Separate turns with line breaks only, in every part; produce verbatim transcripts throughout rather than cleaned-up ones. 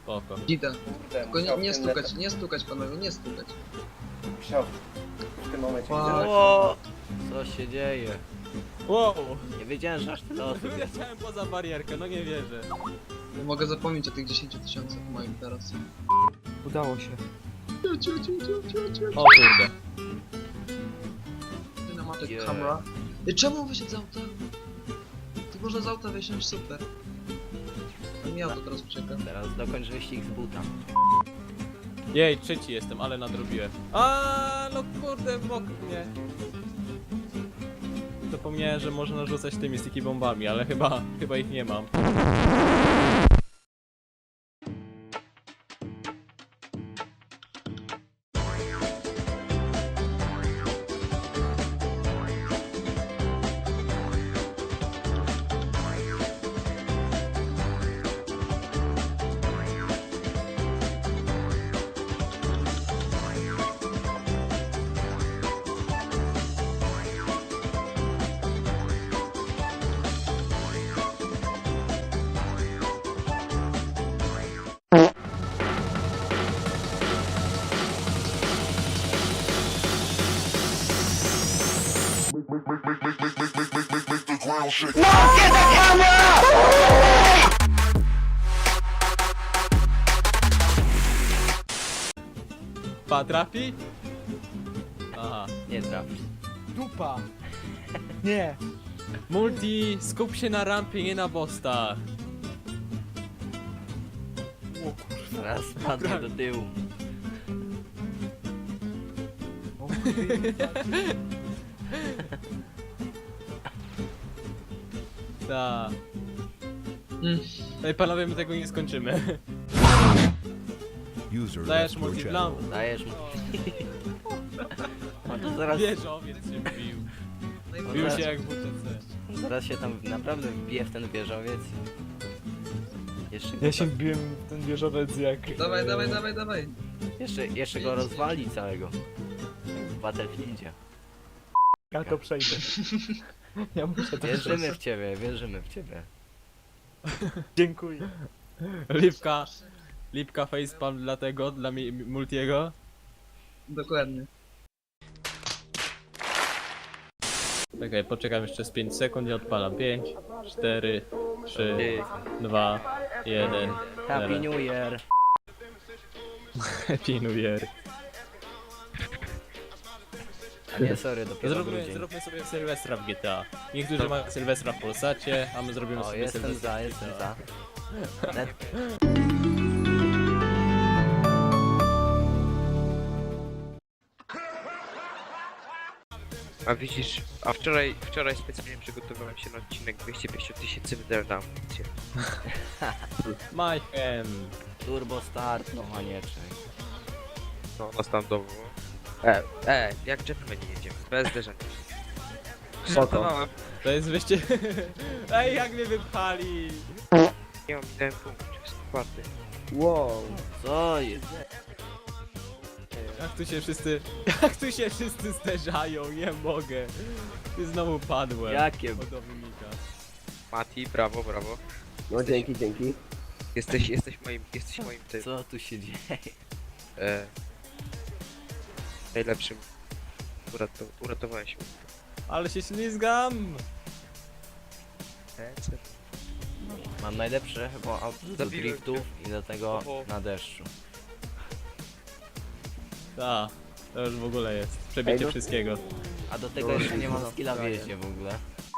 Spoko.
Idę.
Kurde,
Tylko nie,
musiał
nie
w tym
stukać,
lecem-
nie stukać panowie, nie stukać.
Musiał w tym momencie
Wow.
widzę,
O, co się dzieje?
Wow!
Nie wiedziałem, że aż tyle osób jest.
Wyleciałem poza barierkę, no nie wierzę.
Nie mogę zapomnieć o tych dziesięciu tysiącach moim teraz.
Udało się.
Ciu, ciu, ciu, ciu, ciu, ciu.
O kurde.
Cinematic
Yeah.
camera. I czemu wysiadł z auta? Tu można z auta wysiąść, super. A mi auto teraz ucieka.
Teraz dokończ wyścig z buta.
Jej, trzeci jestem, ale nadrobiłem. A, no kurde, w bok mnie. Zapomniałem, że można rzucać tymi sticky bombami, ale chyba, chyba ich nie mam. Pa, trafi? Aha.
Nie trafisz.
Dupa! Nie!
Multi, skup się na rampie, nie na bostach.
O kurwa.
Teraz spadnie do tyłu.
O kurwa.
Ta.
Mm.
Ej, panowie, my tego nie skończymy.
User
Dajesz
left your
multi
channel.
dla...
Dajesz mu. A to zaraz,
Wieżowiec się wbił.
No
Bił
zaraz-
się jak w W T C.
zaraz się tam naprawdę wbije w ten wieżowiec. Jeszcze,
Ja się wbiłem w ten wieżowiec jak...
Dawaj,
e,
dawaj, dawaj, dawaj.
jeszcze, jeszcze go rozwali całego. Jak w Battlefieldzie.
Ja to przejdę. Ja muszę to
Wierzymy
przejść.
w ciebie, wierzymy w ciebie.
Dziękuję.
Lipka. Lipka facepalm dla tego, dla mi, Multiego.
Dokładnie.
Czekaj, poczekam jeszcze z pięć sekund i odpalam. pięć, cztery, trzy, dwa, jeden.
Happy New Year!
Happy New Year.
A nie, sorry, dopiero
Zróbmy,
grudzień.
zróbmy sobie Sylwestra w G T A. Niektórzy mają Sylwestra w Polsacie, a my zrobimy
O,
sobie
jestem
Sylwestra
za,
w
jestem
G T
za.
A.
Net...
A widzisz, a wczoraj, wczoraj specjalnie przygotowałem się na odcinek dwieście pięćdziesiąt tysięcy wydałem.
Mayhem.
Turbo start, no manieczek.
No, na standowo. E, e, jak gentlemani jedziemy, bez zderzenia. Żartowałem.
To jest wyjście... Ej, jak mnie wypchali!
Nie mam jeden punkt, jest czwarty.
Wow.
Co jest?
Jak tu się wszyscy... Jak tu się wszyscy zderzają, nie mogę. I znowu padłem.
Jakie?
Chodowy Mika.
Mati, brawo, brawo.
No dzięki, dzięki.
Jesteś, jesteś moim, jesteś moim tym,
Co tu się dzieje?
e, najlepszym. Urato, uratowałeś mnie.
Ale się ślizgam!
E, co?
Mam najlepsze chyba auto do
Zabiłem
driftów i do tego
Oho.
na deszczu.
Ta, to już w ogóle jest. Przebicie
Ej, no.
wszystkiego.
A do tego jeszcze nie mam skilla w jeździe w ogóle.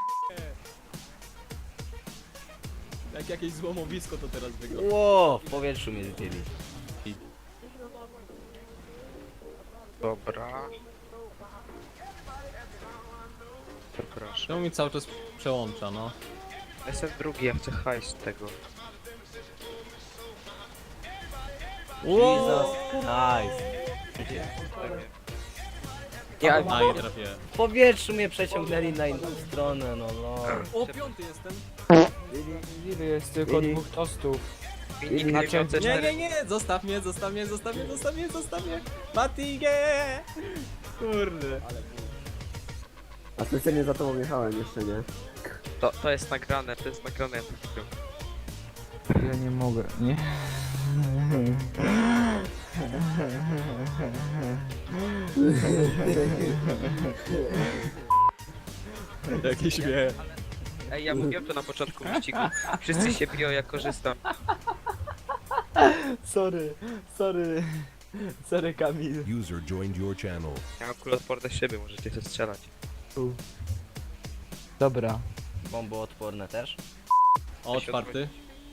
Jak jakieś złomowisko to teraz wygląda.
Ło, w powietrzu mnie zdjęli.
Dobra. Proszę.
Czemu mi cały czas przełącza, no?
Jestem drugi, ja chcę hajs z tego.
Jesus Christ.
Ja,
A, nie trafiłem.
W powietrzu mnie przeciągnęli na inną stronę, no no.
O, piąty jestem.
Ile jest tylko
Lili.
dwóch tostów?
Filmik
Znaczy-
nie miał C
Nie,
cztery.
nie, nie, zostaw mnie, zostaw mnie, zostaw mnie, zostaw mnie, zostaw mnie. Mati, nie! Kurde.
A specjalnie za tobą jechałem jeszcze, nie?
To, to jest nagrane, to jest nagrane.
Ja nie mogę, nie?
Jaki śmiech.
Ej, ja mówiłem to na początku wyścigu. Wszyscy się biją, jak korzystam.
Sorry, sorry. Sorry Kamil.
User joined your channel.
Ja mam kuloodporne szyby, możecie się strzelać.
Dobra.
Bomboodporne też.
O, czwarty.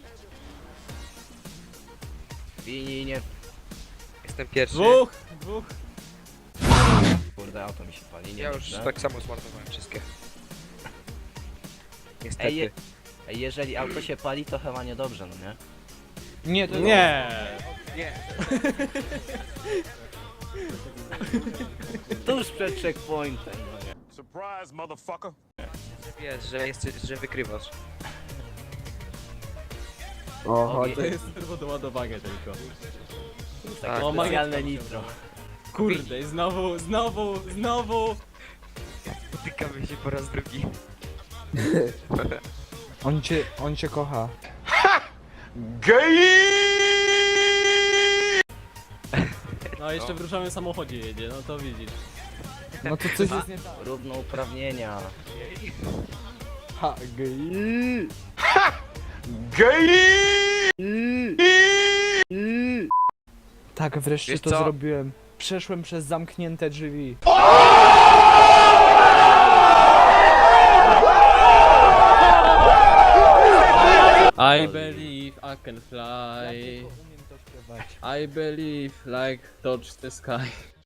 I nie...
Jestem pierwszy.
Dwóch! Dwóch!
Kurde, auto mi się pali, nie
Ja już
dobrze.
tak samo zmarnowałem wszystkie. Niestety.
Ej, je... Ej, jeżeli auto się pali, to chyba niedobrze, no nie?
Nie, to
Nie!
Nie.
Tuż przed checkpointem, no nie?
Surprise, motherfucker.
Wiesz, że, jest, że wygrywasz.
O, chodź.
To jest tylko doładowanie tylko.
Tak.
O,
Specjalne nitro.
Kurde, i znowu, znowu, znowu!
Spotykamy się po raz drugi.
On cię, on cię kocha.
No jeszcze w różowym samochodzie jedzie, no to widzisz.
No to coś jest nie tak.
Równouprawnienia.
Ha, gej. Tak, wreszcie
Wiesz
to
co?
zrobiłem. Przeszłem przez zamknięte drzwi.
I believe I can fly.
Umiem to śpiewać.
I believe like touch the sky.